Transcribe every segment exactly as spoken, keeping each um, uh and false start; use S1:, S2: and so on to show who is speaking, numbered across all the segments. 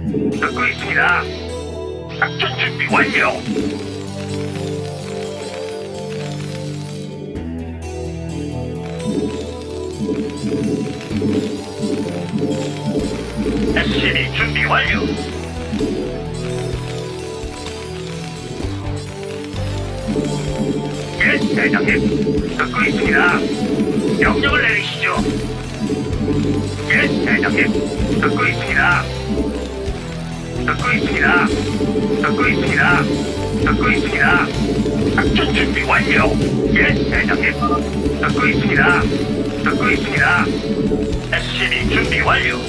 S1: 듣고 있습니다. 작전 준비 완료. 에스씨비 준비 완료. 예, 대장님. 듣고 있습니다. 명령을 내리시죠. 예, 대장님. 듣고 있습니다. 듣고 있습니다. 듣고 있습니다. 듣고 있습니다. 작전 준비 완료. 예, 대장님. 듣고 있습니다. 듣고 있습니다. 에스씨비 준비 완료.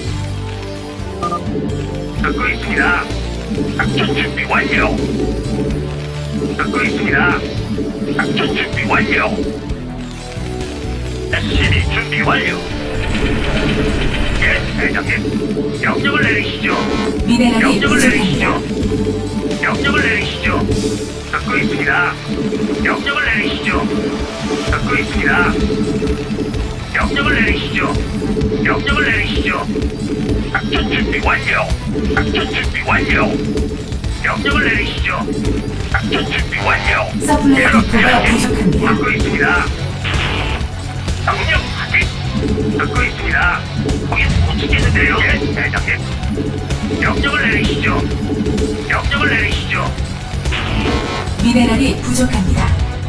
S1: 듣고 있습니다. 작전 준비 완료. 듣고 있습니다. 작전 준비 완료. 에스씨비 준비 완료. 예, 대장님. 명령을 내리시죠.
S2: 미네랄이
S1: 명령을
S2: 부족합니다.
S1: 내리시죠. 명령을 내리시죠. 듣고 있습니다. 명령을 내리시죠. 듣고 있습니다. 명령을 내리시죠. 명령을 내리시죠. 작전 준비 완료. 작전 준비 완료. 명령을 내리시죠. 작전 준비 완료.
S2: 서플라이
S1: 예,
S2: 디포가
S1: 대장님.
S2: 부족합니다.
S1: 듣고 있습니다. 명령 확인. 듣고 있습니다. 거기 못 치겠는데요. 예, 대장님. 명령을 내리시죠. 명령을 내리시죠.
S2: 미네랄이 부족합니다.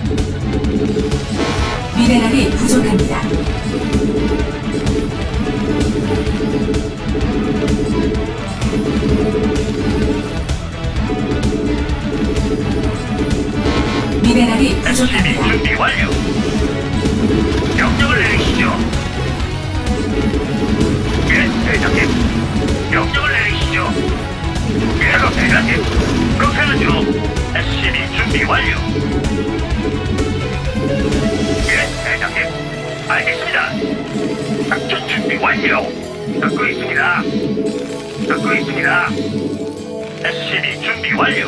S2: 미네랄이 부족합니다. 미네랄이
S1: 에스씨비
S2: 부족합니다.
S1: 준비 완료. 명령을 내리시죠. 예, 대장님. 명령을 내리시죠. 예, 대장님. 그렇게 하죠. 에스씨비 준비 완료. 예, 대장님. 알겠습니다. 작전 준비 완료. 듣고 있습니다. 듣고 있습니다. 에스씨비 준비 완료.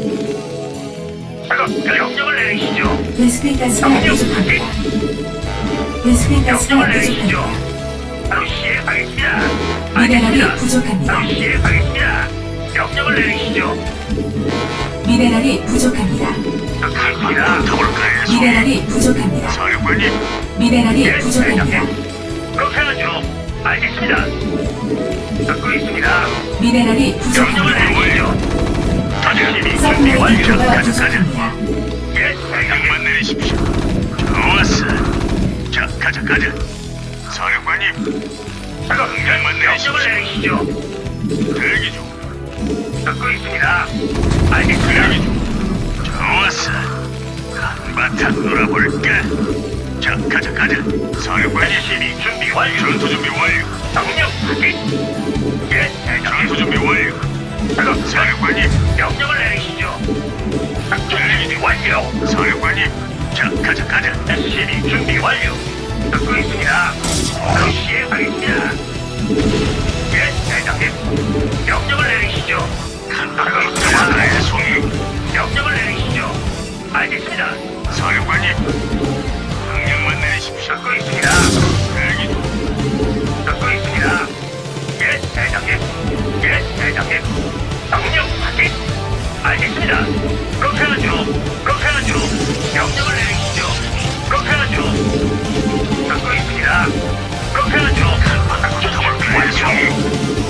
S1: 작업 명령을 내리시죠.
S2: 베스핀 가스가
S1: 명령
S2: 부족합니다.
S1: 확인.
S2: 베스핀 가스가
S1: 명령을 내리시죠.
S2: 부족합니다.
S1: 바로 시행하겠습니다.
S2: 미네랄이
S1: 알겠습니다.
S2: 부족합니다.
S1: 바로 시행하겠습니다. 명령을 내리시죠.
S2: 미네랄이 부족합니다.
S1: 듣고 있습니다. 더블클레이
S2: 미네랄이 부족합니다.
S1: 사령관님.
S2: 미네랄이
S1: 예,
S2: 부족합니다.
S1: 대장님. 그렇게 하죠. 알겠습니다. 듣고 있습니다.
S2: 미네랄이
S1: 명령을
S2: 부족합니다.
S1: 내리시죠. 다시 준비
S2: 서플라이
S1: 완료.
S2: 디포가
S1: 가자, 가자.
S2: 부족합니다.
S1: 예, 대장만 내리십시오. 좋았어. 자, 가자, 가자. 사령관님. 작업 명령만 명령을 내리시죠. 대기 중. 듣고 있습니다. 알겠습니다. 대기 중. 좋았어. 한바탕 놀아볼까? 자, 가자, 가자. 사령관님. 시비 준비 완료. 전투 준비 완료. 명령 확인. 예, 대장님. 전투 준비 완료. 작업 사령관님. 명령을 내리시죠. 작전 준비 완료. 사령관님. 자, 가자, 가자. 에스씨비 준비 완료. 듣고 있습니다. 바로 시행하겠습니다. 예, 대장님. 명령을 내리시죠. 듣고 있습니다. 송이. 명령을 내리시죠. 알겠습니다. 사령관님. 명령만 내리십시오. 듣고 있습니다. 대기 중. 듣고 있습니다. 예, 대장님. 예, 대장님. 명령 확인. 알겠습니다. 그렇게 하죠. 그렇게 하죠. 명령을 내리시죠. 그렇게 하죠. 듣고 있습니다. 그렇게 하죠. 작전 준비 완료.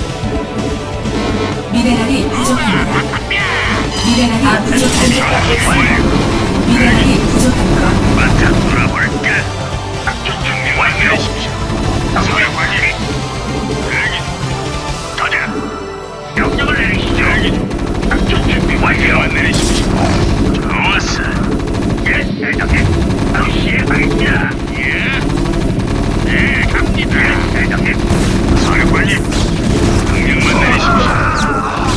S2: 미네랄이 부족합니다. 미네랄이 부족합니다.
S1: 준비 완료.
S2: 미네랄이 부족합니다.
S1: 바탕 돌아볼까? 작전 준비 완료. 사령관님. 대기 중. 가자. 명령을 내리시죠. 대기 중. 작전 준비 완료. 내리십시오. 좋았어. 예, 대장님. 바로 시행하겠습니다. 예. 네, 갑니다. 예, 대장님. 사령관님. 명령만 내리십시오.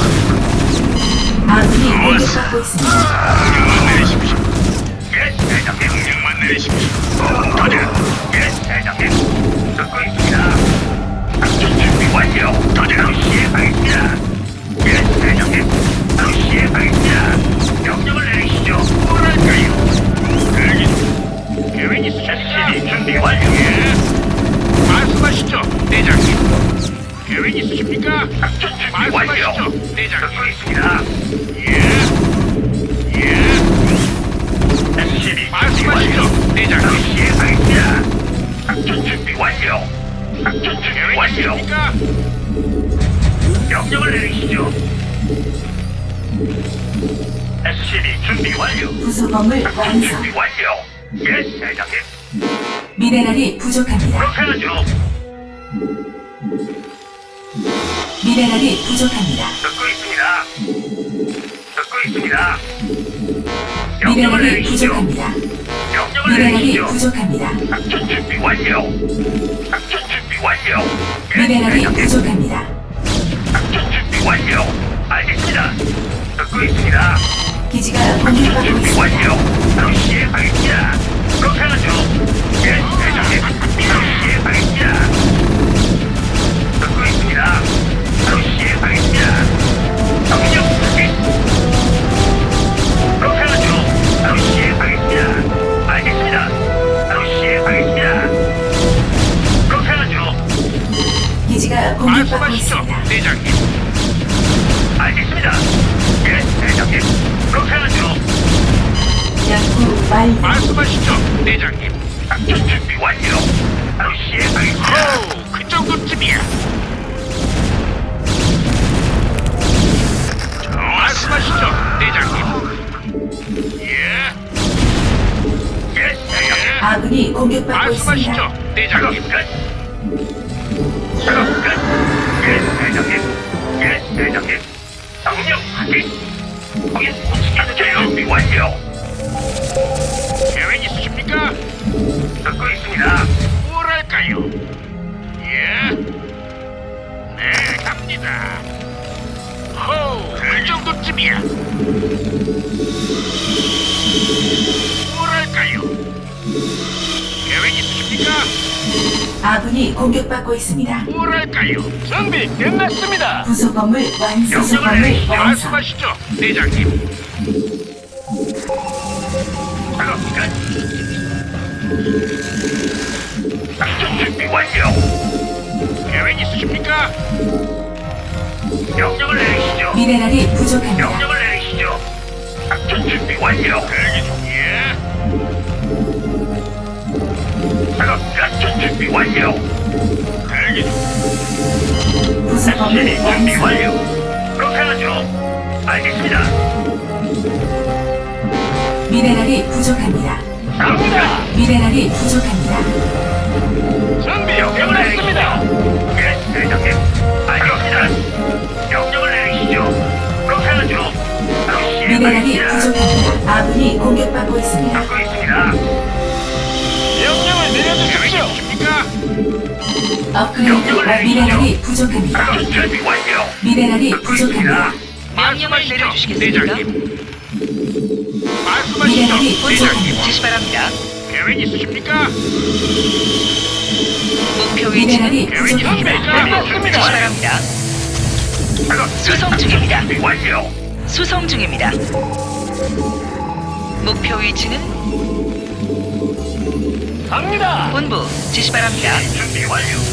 S2: 아군이 공격받고 있습니다.
S1: 명령만 내리십시오. 예, 대장님. 명령만 내리십시오. 가자. 예, 대장님. 듣고 있습니다. 작전 준비 완료. 바로 시행하겠습니다. 예, 대장님. 바로 시행하겠습니다. 명령을 내리시죠. 뭐랄까요? 대기 중. 계획 있으셨습니까? 준비 완료. 예. 말씀하시죠, 대장님. 계획 있으십니까? 작전 준비 완료. 대장님. 듣고 있습니다. 예. 예. 에스씨비
S3: 말씀하시죠, 대장님.
S1: 시행하겠습니다. 작전 준비 완료. 작전 준비
S3: 계획
S1: 완료.
S3: 있으십니까?
S1: 명령을 내리시죠. 에스씨비 준비 완료.
S2: 부속건물
S1: 작전
S2: 완성.
S1: 준비 완료. 예, 대장님.
S2: 미네랄이 부족합니다.
S1: 그렇게 하죠.
S2: 미네랄이 부족합니다.
S1: 듣고 있습니다. 듣고 있습니다. 명령을
S2: 미네랄이
S1: 내리시죠.
S2: 부족합니다.
S1: 명령을
S2: 미네랄이
S1: 내리시죠.
S2: 부족합니다.
S1: 작전 준비 완료. 작전 준비 완료. 예,
S2: 미네랄이
S1: 대장님.
S2: 부족합니다.
S1: 작전 준비 완료. 알겠습니다. 듣고 있습니다.
S2: 기지가
S1: 작전
S2: 공격받고
S1: 준비
S2: 있습니다.
S1: 완료. 바로 시행하겠습니다. 그렇게 하죠. 예, 대장님. 바로 시행하겠습니다. 듣고 있습니다. 바로 시행하겠습니다. 명령 확인. 그렇게 하죠. 바로 시행하겠습니다. 알겠습니다. 바로 시행하겠습니다. 그렇게 하죠.
S2: 기지가 공격받고
S3: 말씀하시죠,
S2: 있습니다.
S3: 대장님.
S1: 알겠습니다. 예, 대장님. 그렇게 하죠.
S2: 연구 완료.
S3: 말씀하시죠, 대장님.
S1: 작전 준비 완료. 바로 시행하겠습니다.
S3: 호, 그 정도쯤이야. 말씀하시죠, 대장님. 예,
S1: 예, 대장님.
S2: 아군이 공격받고 있습니다.
S3: 말씀하시죠,
S1: 작업
S3: 대장님.
S1: 끝. 작업 끝. 예, 대장님. 예, 대장님. 명령 확인. 거긴 못치겠는데요. 준비 완료.
S3: 계획 있으십니까?
S1: 듣고 있습니다.
S3: 뭐랄까요? 예, 네, 갑니다. 호, 그 정도쯤이야. 뭐랄까요? 계획 있으십니까?
S2: 아군이 공격받고 있습니다.
S3: 뭐랄까요? 준비 끝났습니다.
S2: 부속건물 완성. 부속건물 완성.
S3: 말씀하시죠, 대장님.
S1: 작업 끝. 작전 준비 완료.
S3: 계획 있으십니까?
S1: 명령을 내리시죠.
S2: 미네랄이 부족합니다.
S1: 명령을 내리시죠. 작전 준비 완료.
S3: 대기 중. 예,
S1: 작업 작전 준비 완료.
S3: 대기 중.
S2: 부속건물
S1: 준비 준비
S2: 완성.
S1: 완료. 그렇게 하죠. 알겠습니다.
S2: 미네랄이 부족합니다.
S1: 갑니다.
S2: 미네랄이 부족합니다.
S3: 준비
S1: 명령을 내리시죠. 예, 대장님. 알겠습니다. 명령을 내리시죠. 그렇게 하죠. 바로
S2: 미네랄이
S1: 시행하겠습니다.
S2: 부족합니다. 아군이 공격받고 있습니다.
S1: 듣고 있습니다.
S3: 명령을 내려주십시오. 계획 있으십니까?
S2: 업그레이드 완- 미네랄이 부족합니다.
S1: 작전 준비 완료.
S2: 미네랄이
S1: 듣고
S2: 부족합니다.
S1: 있습니다.
S4: 명령을 내려주시겠습니까?
S3: 대장님. 말씀하시죠,
S2: 미네랄이
S3: 대장님.
S2: 부족합니다.
S4: 지시 바랍니다.
S3: 계획 있으십니까?
S4: 목표
S2: 미네랄이
S4: 위치는
S3: 계획
S2: 부족합니다.
S3: 있으십니까?
S4: 지시 바랍니다.
S1: 작업
S4: 수송 중입니다.
S1: 준비 완료.
S4: 수송 중입니다. 목표 위치는
S3: 갑니다.
S4: 본부 지시 바랍니다.
S1: 준비 완료.